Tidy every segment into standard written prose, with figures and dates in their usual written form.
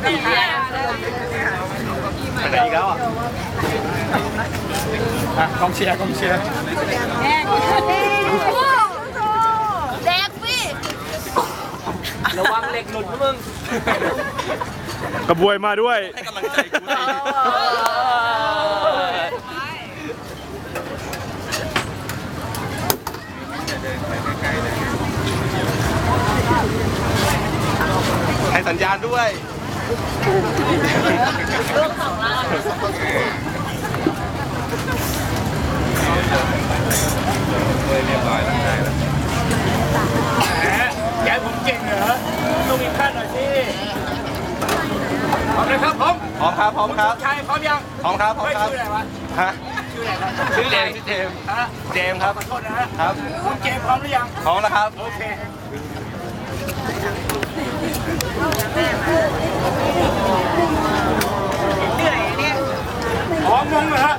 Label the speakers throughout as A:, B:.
A: ไปไหนอีกแล้วอ่ะกองเชียร์
B: แดกพี่
A: ระวังเหล็กหลุดนะมึง
C: กระบวยมาด้วย
A: ให้กำลังใจกูสิให้สัญญาณด้วยเรียบร้อยแล้วได้แล้วแกผมเก่งเหรอต้องมีขั้นหน่อยสิพร้อมเลยครับพร้อมครับชายพร้อมยังพร้อมครับชื่ออะไรวะฮะชื่ออะไรครับชื่อเจมส์เจมส์ครับขอโทษนะฮะครับคุณเจมส์พร้อมหรือยังพร้อมแล้วครับโอเคเหนื่อยเนี่ยอ๋องงเหรอฮะ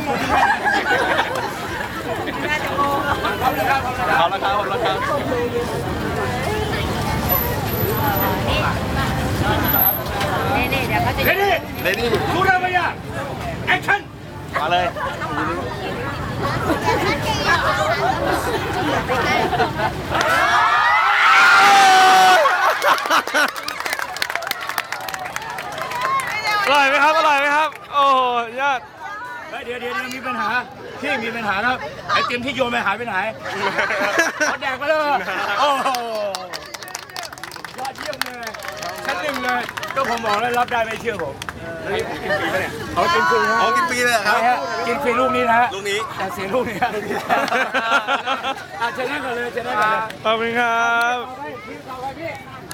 A: น่าจะงงพร้อมแล้วครับ
B: นี่เดี๋ยวเขาจะ
A: เรดี้รู้แล้วไหมอ่ะแอคชั่นมาเลย
C: อร่อยไหมครับ โอ้ยอด
A: เดี๋ยวมีปัญหาพี่มีปัญหาครับไอติมที่โยนไปหายไปไหนเขาแดกไปเลยโอ้โหยอดเยี่ยมเลยชั้นหนึ่งเลยก็ผมบอกแล้วรับได้ไม่เชื่อผมกินฟรีไหมเนี่ยเขากินฟรีนะกินฟรีเลยครับกินฟรีลูกนี้นะลูกนี้แต่เสียลูกนี้ชนะกันเลย
C: ขอบคุณครับ
A: ต่อไปพี่